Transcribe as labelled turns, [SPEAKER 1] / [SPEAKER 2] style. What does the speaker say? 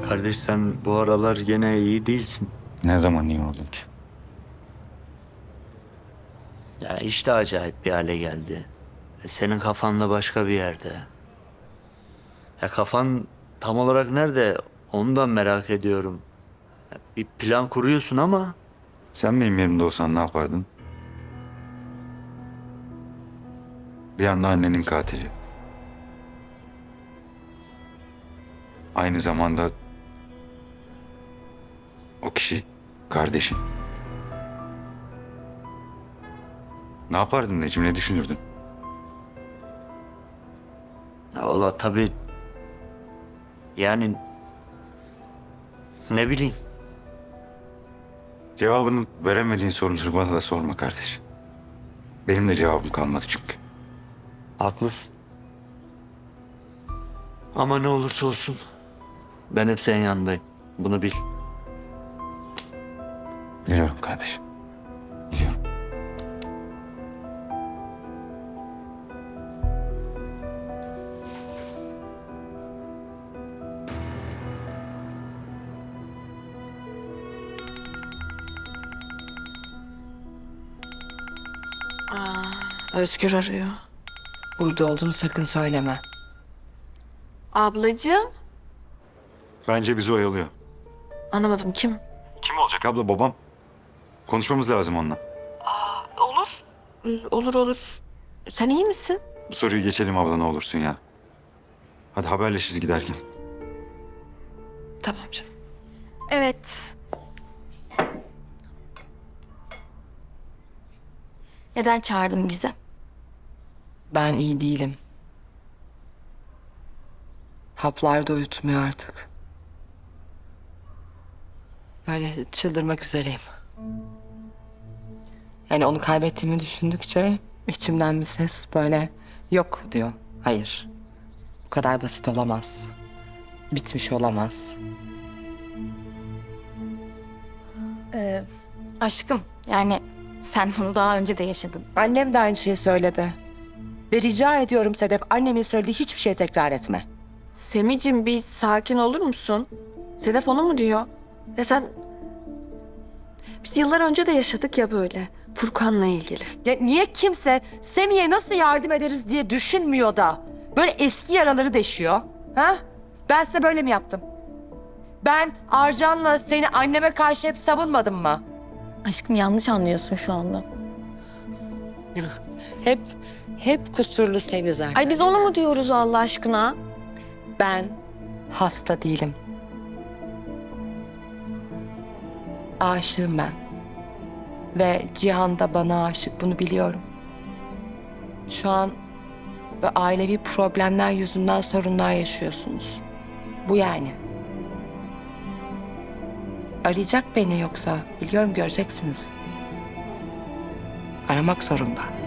[SPEAKER 1] Kardeş sen bu aralar gene iyi değilsin.
[SPEAKER 2] Ne zaman iyi oldun ki?
[SPEAKER 1] Ya işte acayip bir hale geldi. Senin kafan da başka bir yerde. Ya kafan tam olarak nerede? Onu da merak ediyorum. Ya bir plan kuruyorsun ama
[SPEAKER 2] Sen benim yerimde olsan ne yapardın? Bir anda annenin katili. Aynı zamanda o kişi kardeşin. Ne yapardın Necim, ne düşünürdün?
[SPEAKER 1] ya valla tabii yani ne bileyim.
[SPEAKER 2] Cevabını veremediğin soruları bana da sorma kardeş. Benim de cevabım kalmadı çünkü.
[SPEAKER 1] Haklısın. Ama ne olursa olsun ben hep senin yanındayım. Bunu bil.
[SPEAKER 2] Biliyorum kardeşim. Biliyorum.
[SPEAKER 3] Özgür arıyor.
[SPEAKER 4] Burada olduğunu sakın söyleme.
[SPEAKER 3] Ablacığım.
[SPEAKER 2] Bence bizi oyalıyor.
[SPEAKER 3] Anlamadım, kim?
[SPEAKER 2] Kim olacak abla, babam? Konuşmamız lazım onunla.
[SPEAKER 3] Olur olur. Sen iyi misin?
[SPEAKER 2] Bu soruyu geçelim abla, ne olursun ya. Hadi haberleşiriz giderken.
[SPEAKER 3] Tamam canım.
[SPEAKER 5] Evet. Neden çağırdın bizi?
[SPEAKER 4] Ben iyi değilim. Haplar da uyutmuyor artık. Böyle çıldırmak üzereyim. Yani onu kaybettiğimi düşündükçe içimden bir ses böyle yok diyor. Hayır. Bu kadar basit olamaz. Bitmiş olamaz.
[SPEAKER 5] Aşkım, yani sen bunu daha önce de yaşadın.
[SPEAKER 4] Annem de aynı şeyi söyledi. Ve rica ediyorum Sedef, annemin söylediği hiçbir şey tekrar etme.
[SPEAKER 3] Semicim bir sakin olur musun? Sedef onu mu diyor? Ya sen... Biz yıllar önce de yaşadık ya böyle. Furkan'la ilgili.
[SPEAKER 4] Ya niye kimse Semih'e nasıl yardım ederiz diye düşünmüyor da böyle eski yaraları deşiyor? Ha? Ben size böyle mi yaptım? Ben Arcan'la seni anneme karşı hep savunmadım mı?
[SPEAKER 5] Aşkım yanlış anlıyorsun şu anda.
[SPEAKER 4] Hep kusurlu Semih zaten.
[SPEAKER 3] Ay biz onu mu diyoruz Allah aşkına?
[SPEAKER 4] Ben hasta değilim. Aşığım ben. Ve Cihan da bana aşık, bunu biliyorum. Şu an ve ailevi problemler yüzünden sorunlar yaşıyorsunuz. Bu yani. Arayacak beni yoksa biliyorum, göreceksiniz. Aramak zorunda.